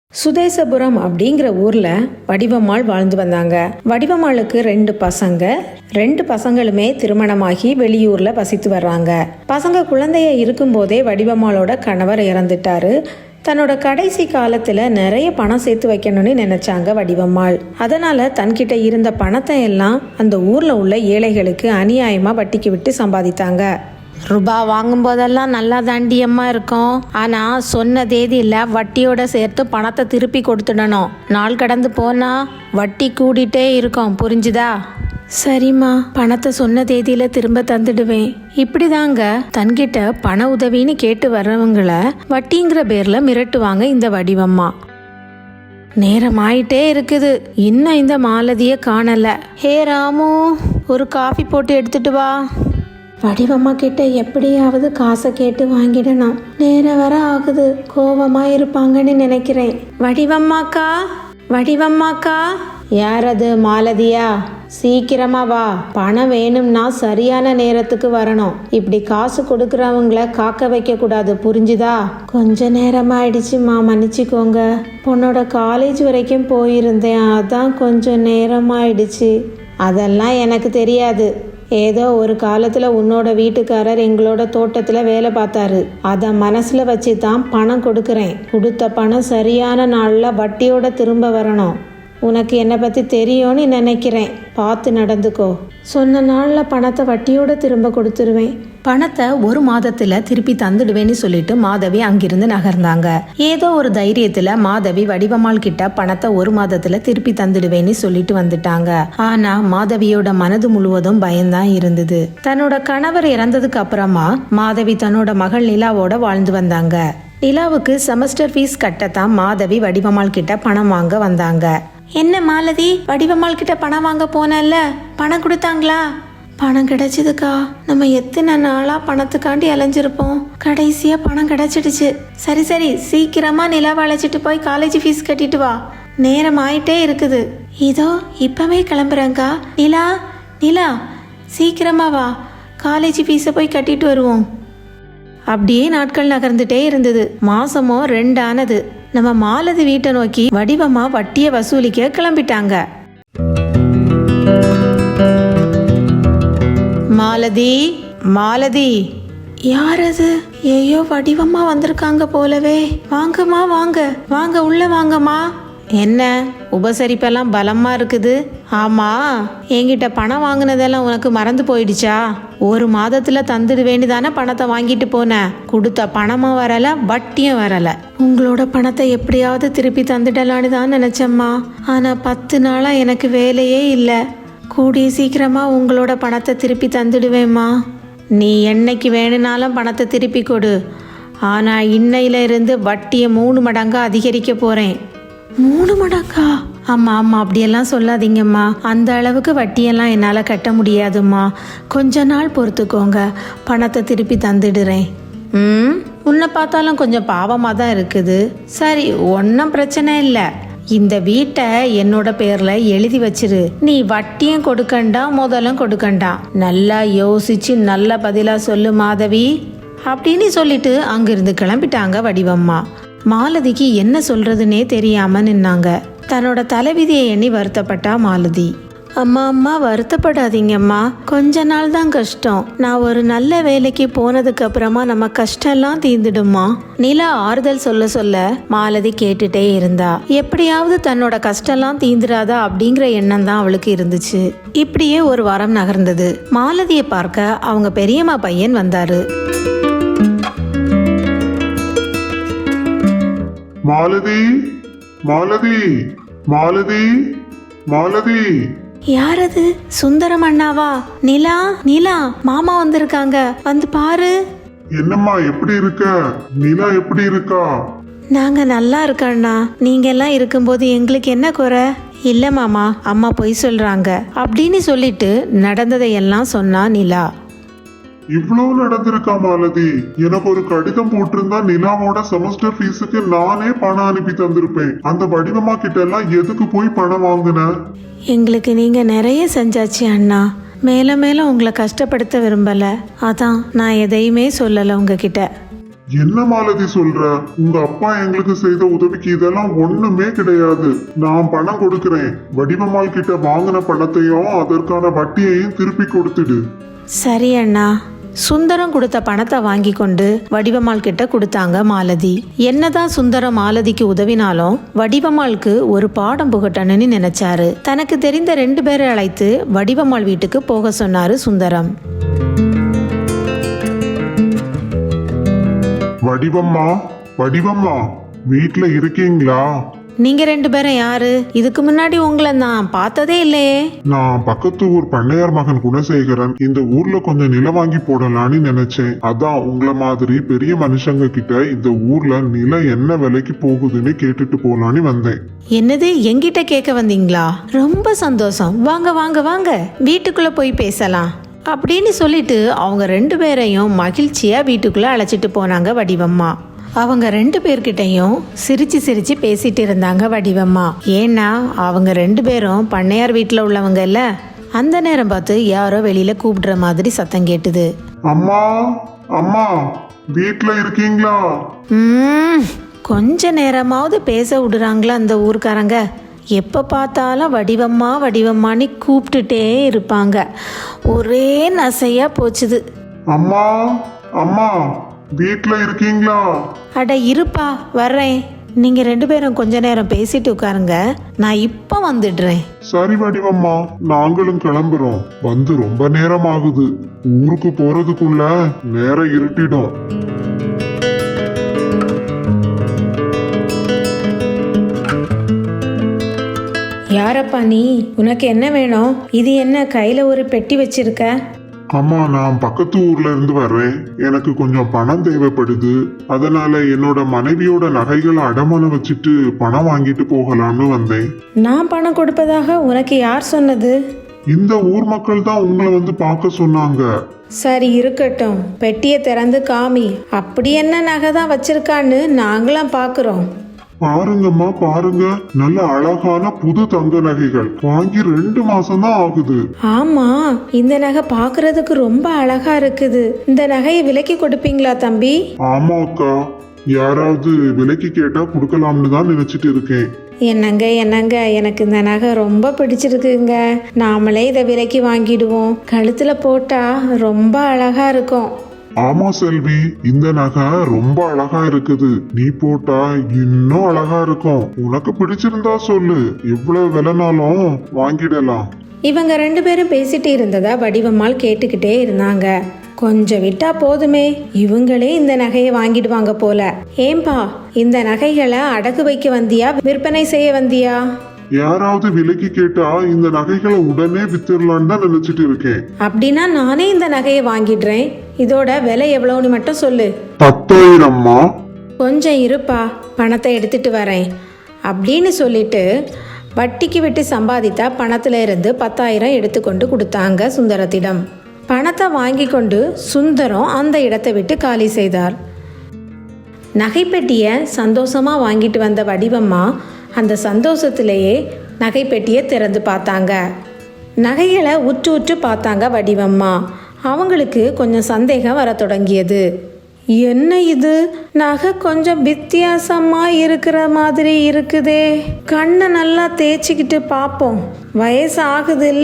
சுதேசபுரம் அப்படிங்கிற ஊர்ல வடிவம்மாள் வாழ்ந்து வந்தாங்க. வடிவம்மாளுக்கு 2 பசங்க. 2 பசங்களுமே திருமணமாகி வெளியூர்ல வசித்து வர்றாங்க. பசங்க குழந்தைய இருக்கும்போதே வடிவம்மாளோட கணவர் இறந்துட்டாரு. தன்னோட கடைசி காலத்துல நிறைய பணம் சேர்த்து வைக்கணும்னு நினைச்சாங்க வடிவம்மாள். அதனால தன்கிட்ட இருந்த பணத்தை எல்லாம் அந்த ஊர்ல உள்ள ஏழைகளுக்கு அநியாயமா வட்டிக்கு விட்டு சம்பாதித்தாங்க. ரூபா வாங்கும் போதெல்லாம் நல்லா தாண்டியம்மா இருக்கும். ஆனா சொன்ன தேதியில வட்டியோட சேர்த்து பணத்தை திருப்பி கொடுத்துடணும். நாள் கடந்து போனா வட்டி கூடிட்டே இருக்கும், புரிஞ்சுதா? சரிம்மா, பணத்தை சொன்ன தேதியில திரும்ப தந்துடுவேன். இப்படிதாங்க தன்கிட்ட பண உதவின்னு கேட்டு வர்றவங்கள வட்டிங்கிற பேர்ல மிரட்டுவாங்க இந்த வடிவம்மா. நேரம் ஆயிட்டே இருக்குது, இன்னும் இந்த மாலதிய காணல. ஹே ராமு, ஒரு காஃபி போட்டு எடுத்துட்டு வா. வடிவம்மா கிட்ட எப்படியாவது காசை கேட்டு வாங்கிடணும். நேரம் வர ஆகுது, கோவமா இருப்பாங்கன்னு நினைக்கிறேன். வடிவம்மாக்கா, வடிவம்மாக்கா. யார் அது? மாலதியா? சீக்கிரமா வா, பணம் வேணும்னா சரியான நேரத்துக்கு வரணும். இப்படி காசு கொடுக்கறவங்கள காக்க வைக்க கூடாது, புரிஞ்சுதா? கொஞ்ச நேரமாயிடுச்சுமா, மன்னிச்சுக்கோங்க. பொண்ணோட காலேஜ் வரைக்கும் போயிருந்தேன், அதான் கொஞ்சம் நேரமாயிடுச்சு. அதெல்லாம் எனக்கு தெரியாது. ஏதோ ஒரு காலத்துல உன்னோட வீட்டுக்காரர் எங்களோட தோட்டத்துல வேலை பார்த்தாரு. அதை மனசுல வச்சு தான் பணம் கொடுக்கறேன். கொடுத்த பணம் சரியான நாள்ல வட்டியோட திரும்ப வரணும். உனக்கு என்னை பற்றி தெரியும்னு நினைக்கிறேன், பார்த்து நடந்துக்கோ. சொன்ன நாளில் பணத்தை வட்டியோட திரும்ப கொடுத்துருவேன். பணத்தை 1 மாதத்துல திருப்பி தந்துடுவேன்னு சொல்லிட்டு மாதவி அங்கிருந்து நகர்ந்தாங்க. ஏதோ ஒரு தைரியத்துல மாதவி வடிவம்மாள் கிட்ட பணத்தை 1 மாதத்துல திருப்பி தந்துடுவேன்னு சொல்லிட்டு வந்துட்டாங்க. ஆனா மாதவியோட மனது முழுவதும் பயம்தான் இருந்தது. தன்னோட கணவர் இறந்ததுக்கு அப்புறமா மாதவி தன்னோட மகள் நிலாவோட வாழ்ந்து வந்தாங்க. நிலாவுக்கு செமஸ்டர் ஃபீஸ் கட்டத்தான் மாதவி வடிவம்மாள் கிட்ட பணம் வாங்க வந்தாங்க. என்ன மாலதி, வடிவம்மாள் கிட்ட பணம் வாங்க போனல்ல, பணம் கொடுத்தாங்களா? பணம் கிடைச்சதுக்கா. நம்ம எத்தனை நாளா பணத்துக்காண்டி அலைஞ்சிருப்போம். கடைசியா பணம் கிடைச்சிடுச்சு. சரி சரி, சீக்கிரமா நிலாவை அழைச்சிட்டு போய் காலேஜ் ஃபீஸ் கட்டிட்டு வா. நேரம் ஆயிட்டே இருக்குது. இதோ இப்பவே கிளம்புறேங்க்கா. நிலா, நிலா, சீக்கிரமா வா, காலேஜ் ஃபீஸை போய் கட்டிட்டு வருவோம். அப்படியே நாட்கள் நகர்ந்துட்டே இருந்தது. மாசமோ 2 ஆனது. நம்ம மாலதி வீட்டை நோக்கி வடிவம்மா வட்டியை வசூலிக்க கிளம்பிட்டாங்க. மாலதி, மாலதி. யார் அது? ஐயோ, வடிவம்மா வந்திருக்காங்க போலவே. வாங்கம்மா, வாங்க வாங்க, உள்ள வாங்கம்மா. என்ன உபசரிப்பெல்லாம் பலமா இருக்குது? ஆமா, என்கிட்ட பணம் வாங்கினதெல்லாம் உனக்கு மறந்து போயிடுச்சா? 1 மாதத்துல தந்துடுவேன்னு தானே பணத்தை வாங்கிட்டு போன. கொடுத்த பணமும் வரல, வட்டியும் வரல. உங்களோட பணத்தை எப்படியாவது திருப்பி தந்துடலான்னு தான் நினைச்சம்மா. ஆனா 10 நாளா எனக்கு வேலையே இல்லை. கூடிய சீக்கிரமா உங்களோட பணத்தை திருப்பி தந்துடுவேம்மா. நீ என்னைக்கு வேணும்னாலும் பணத்தை திருப்பி கொடு. ஆனா இன்னையில இருந்து வட்டியை 3 மடங்கா அதிகரிக்க போறேன். 3 மடங்கா? ஆமா ஆமா, அப்படியெல்லாம் சொல்லாதீங்கம்மா. அந்த அளவுக்கு வட்டியெல்லாம் என்னால் கட்ட முடியாதும்மா. கொஞ்ச நாள் பொறுத்துக்கோங்க, பணத்தை திருப்பி தந்துடுறேன். உன்னை பார்த்தாலும் கொஞ்சம் பாவமாக தான் இருக்குது. சரி, ஒன்றும் பிரச்சனை இல்லை. இந்த வீட்டை என்னோட பேர்ல எழுதி வச்சிரு. நீ வட்டியும் கொடுக்கண்டா, முதலும் கொடுக்கண்டா. நல்லா யோசிச்சு நல்ல பதிலா சொல்லு மாதவி அப்படின்னு சொல்லிட்டு அங்கிருந்து கிளம்பிட்டாங்க வடிவம்மா. மாலதிக்கு என்ன சொல்றதுன்னே தெரியாம நின்னாங்க. தன்னோட தலைவிதியை எண்ணி வருத்தப்பட்டா மாலதி. அம்மா அம்மா, வருத்தப்படாதீங்கம்மா. கொஞ்ச நாள் தான் கஷ்டம். நான் ஒரு நல்ல வேலைக்கு போனதுக்கு அப்புறமா நம்ம கஷ்டம்லாம் தீர்ந்துடுமா. நிலா ஆறுதல் சொல்ல சொல்ல மாலதி கேட்டுட்டே இருந்தா. எப்படியாவது தன்னோட கஷ்டம்லாம் தீந்துராதா அப்படிங்கிற எண்ணம் தான் அவளுக்கு இருந்துச்சு. இப்படியே 1 வாரம் நகர்ந்தது. மாலதியை பார்க்க அவங்க பெரியம்மா பையன் வந்தாரு. மாலதி, மாலதி, மாலதி, மாலதி. யார் அது? சுந்தரம் அண்ணாவா? நிலா, நிலா, மாமா வந்திருக்காங்க, வந்து பாரு. என்னம்மா, எப்படி இருக்க? நிலா எப்படி இருக்கா? நாங்க நல்லா இருக்கோண்ணா. நீங்க எல்லாம் இருக்கும்போது எங்களுக்கு என்ன குறை? இல்ல மாமா, அம்மா பொய் சொல்றாங்க அப்படின்னு சொல்லிட்டு நடந்ததையெல்லாம் சொன்னா நிலா. இவ்வளவு நடந்திருக்கா மாலதி? எனக்கு ஒரு கடிதம் போட்டிருந்தா நிலாவோட செமஸ்டர் ஃபீஸுக்கு நானே பணம் அனுப்பி தந்திருப்பேன். அந்த வடிவம்மா கிட்ட எல்லாம் எதுக்கு போய் பணம் வாங்கின? எங்களுக்கு நீங்க நிறைய செஞ்சாச்சு அண்ணா. மேல மேல உங்களை கஷ்டப்படுத்த விரும்பல, அதான் நான் எதையுமே சொல்லல உங்ககிட்ட. என்ன மாலதி சொல்ற? உங்க அப்பா எங்களுக்கு செய்த உதவிக்கு இதெல்லாம் ஒண்ணுமே கிடையாது. நான் பணம் கொடுக்கிறேன். வடிவம்மாள் கிட்ட வாங்கின பணத்தையும் அதற்கான வட்டியையும் திருப்பி கொடுத்துடு. சரி அண்ணா. சுந்தரம் கொடுத்த பணத்தை வாங்கி கொண்டு வடிவம்மாள் கிட்ட கொடுத்தாங்க மாலதி. என்னதான் சுந்தரம் மாலதிக்கு உதவினாலும் வடிவம்மாளுக்கு ஒரு பாடம் புகட்டணும்னு நினைச்சாரு. தனக்கு தெரிந்த 2 பேரை அழைத்து வடிவம்மாள் வீட்டுக்கு போக சொன்னாரு சுந்தரம். வடிவம்மா, வடிவம்மா, வீட்ல இருக்கீங்களா? நீங்க 2 பேரும் யாரு? இதுக்கு முன்னாடி உங்களை நான் பார்த்ததே இல்லையே. நான் பக்கத்து ஊர் பண்ணையார் மகன் குணசேகரன். இந்த ஊர்ல கொஞ்சம் நிலம் வாங்கி போடலான்னு நினைச்சேன். அதான் உங்களை மாதிரி பெரிய மனுஷங்க கிட்ட இந்த ஊர்ல நிலம் என்ன விலைக்கு போகுதுன்னு கேட்டுட்டு போலான்னு வந்தேன். என்னது, என்கிட்ட கேட்க வந்தீங்களா? ரொம்ப சந்தோஷம். வாங்க வாங்க வாங்க, வீட்டுக்குள்ள போய் பேசலாம் அப்படின்னு சொல்லிட்டு அவங்க 2 பேரையும் மகிழ்ச்சியா வீட்டுக்குள்ள அழைச்சிட்டு போனாங்க வடிவம்மா. அவங்க 2 பேர்கிட்டையும் சிரிச்சு சிரிச்சு பேசிட்டு இருந்தாங்க வடிவம்மா. ஏன்னா அவங்க 2 பேரும் பண்ணையார் வீட்டில் உள்ளவங்க இல்ல. அந்த நேரம் பார்த்து யாரோ வெளியில கூப்பிடுற மாதிரி சத்தம் கேட்டுது. அம்மா, அம்மா, வீட்ல இருக்கீங்களா? கொஞ்ச நேரமாவது பேச விடுறாங்களா அந்த ஊர்க்காரங்க? எப்போ பார்த்தாலும் வடிவம்மா வடிவம்மான்னு கூப்பிட்டுட்டே இருப்பாங்க. ஒரே நசையா போச்சுது. அம்மா, அம்மா, வீட்ல இருக்கீங்களா? அட இருப்பா, வர்றேன். நீங்க 2 பேரும் கொஞ்ச நேரம் பேசிட்டு உட்காருங்க, நான் இப்ப வந்துடுறேன். சரி வடிவம்மா, நாங்களும் கிளம்புறோம். வந்து ரொம்ப நேரம் ஆகுது. ஊருக்கு போறதுக்குள்ள நேரம் இருட்டிடும். யாரப்பா நீ? உனக்கு என்ன வேணும்? இது என்ன கையில ஒரு பெட்டி வச்சிருக்க? அம்மா, நான் பக்கத்து ஊர்ல இருந்து வர்றேன். எனக்கு கொஞ்சம் பணம் தேவைப்படுது. அதனால என்னோட மனைவியோட நகைகளை அடமானம் வச்சுட்டு பணம் வாங்கிட்டு போகலாம்னு வந்தேன். நான் பணம் கொடுப்பதாக உனக்கு யார் சொன்னது? இந்த ஊர் மக்கள் தான் உங்களை வந்து பார்க்க சொன்னாங்க. சரி இருக்கட்டும், பெட்டியை திறந்து காமி. அப்படி என்ன நகை தான் வச்சிருக்கான்னு நாங்களாம் பாக்குறோம். பாருங்கம்மா, பாருங்க, நல்ல அழகான புது தங்க நகைகள். வாங்கி 2 மாசம் தான் ஆகுது. ஆமா, இந்த நகை பாக்குறதுக்கு ரொம்ப அழகா இருக்குது. இந்த நகையை விலைக்கு கொடுப்பீங்களா தம்பி? ஆமா அக்கா, யாராவது விலைக்கு கேட்டா கொடுக்கலாம்னு தான் நினைச்சிட்டு இருக்கேன். என்னங்க என்னங்க, எனக்கு இந்த நகை ரொம்ப பிடிச்சிருக்குங்க. நாமளே இதை விலைக்கு வாங்கிடுவோம். கழுத்துல போட்டா ரொம்ப அழகா இருக்கும். ஆமா செல்வி, இந்த நகை ரொம்ப அழகா இருக்குது. நீ போட்டா இன்னும் அழகா இருக்கும். உனக்கு பிடிச்சிருந்தா சொல்லு, எவ்வளவு விலைனாலும் வாங்கிடலாம். இவங்க 2 பேரும் பேசிட்டு இருந்ததா வடிவம்மாள் கேட்டுக்கிட்டே இருந்தாங்க. கொஞ்சம் விட்டா போதுமே, இவங்களே இந்த நகையை வாங்கிடுவாங்க போல. ஏம்பா, இந்த நகைகளை அடகு வைக்க வந்தியா, விற்பனை செய்ய வந்தியா? யாராவது விலைக்கு கேட்டா இந்த நகைகளை உடனே வித்துடலான்னு தான் நினைச்சிட்டு இருக்கேன். அப்படின்னா நானே இந்த நகையை வாங்கிடுறேன். இதோட விலை எவ்வளவுன்னு மட்டும் சொல்லு. 10,000. கொஞ்சம் இருப்பா, பணத்தை எடுத்துட்டு வரேன் அப்படின்னு சொல்லிட்டு வட்டிக்கு விட்டு சம்பாதித்தா பணத்துல இருந்து 10,000 எடுத்துக்கொண்டு கொடுத்தாங்க சுந்தரத்திடம். பணத்தை வாங்கி கொண்டு சுந்தரம் அந்த இடத்தை விட்டு காலி செய்தார். நகைப்பெட்டியை சந்தோஷமா வாங்கிட்டு வந்த வடிவம்மா அந்த சந்தோஷத்திலேயே நகைப்பெட்டியை திறந்து பார்த்தாங்க. நகைகளை உற்று உற்று பார்த்தாங்க வடிவம்மா. அவங்களுக்கு கொஞ்சம் சந்தேகம் வர தொடங்கியது. என்ன இது, நகை கொஞ்சம் வித்தியாசமா இருக்கிற மாதிரி இருக்குதே. கண்ணை நல்லா தேய்ச்சிக்கிட்டு பார்ப்போம், வயசு ஆகுது இல்ல.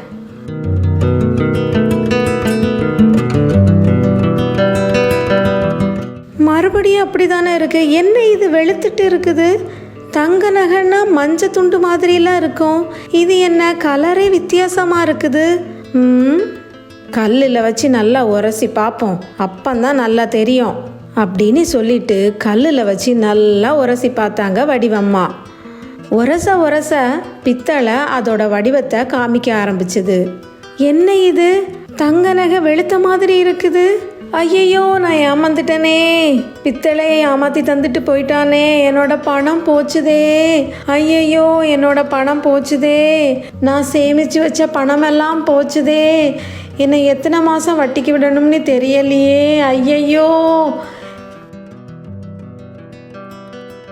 மறுபடியும் அப்படிதானே இருக்கு. என்ன இது வெளுத்துட்டு இருக்குது? தங்க நகைன்னா மஞ்சள் துண்டு மாதிரிலாம் இருக்கும். இது என்ன கலரே வித்தியாசமா இருக்குது? கல்லில் வச்சு நல்லா உரசி பார்ப்போம், அப்பந்தான் நல்லா தெரியும் அப்படின்னு சொல்லிட்டு கல்லில் வச்சு நல்லா உரசி பார்த்தாங்க வடிவம்மா. உரச உரச பித்தளை அதோட வடிவத்தை காமிக்க ஆரம்பிச்சுது. என்ன இது, தங்க நகை வெளுத்த மாதிரி இருக்குது. ஐயையோ, நான் ஏமாந்துட்டனே. பித்தளையை ஏமாத்தி தந்துட்டு போயிட்டானே. என்னோட பணம் போச்சுதே. ஐயையோ, என்னோட பணம் போச்சுதே. நான் சேமிச்சு வச்ச பணமெல்லாம் போச்சுதே. என்னை எத்தனை மாதம் வட்டிக்கு விடணும்னு தெரியலையே. ஐயையோ,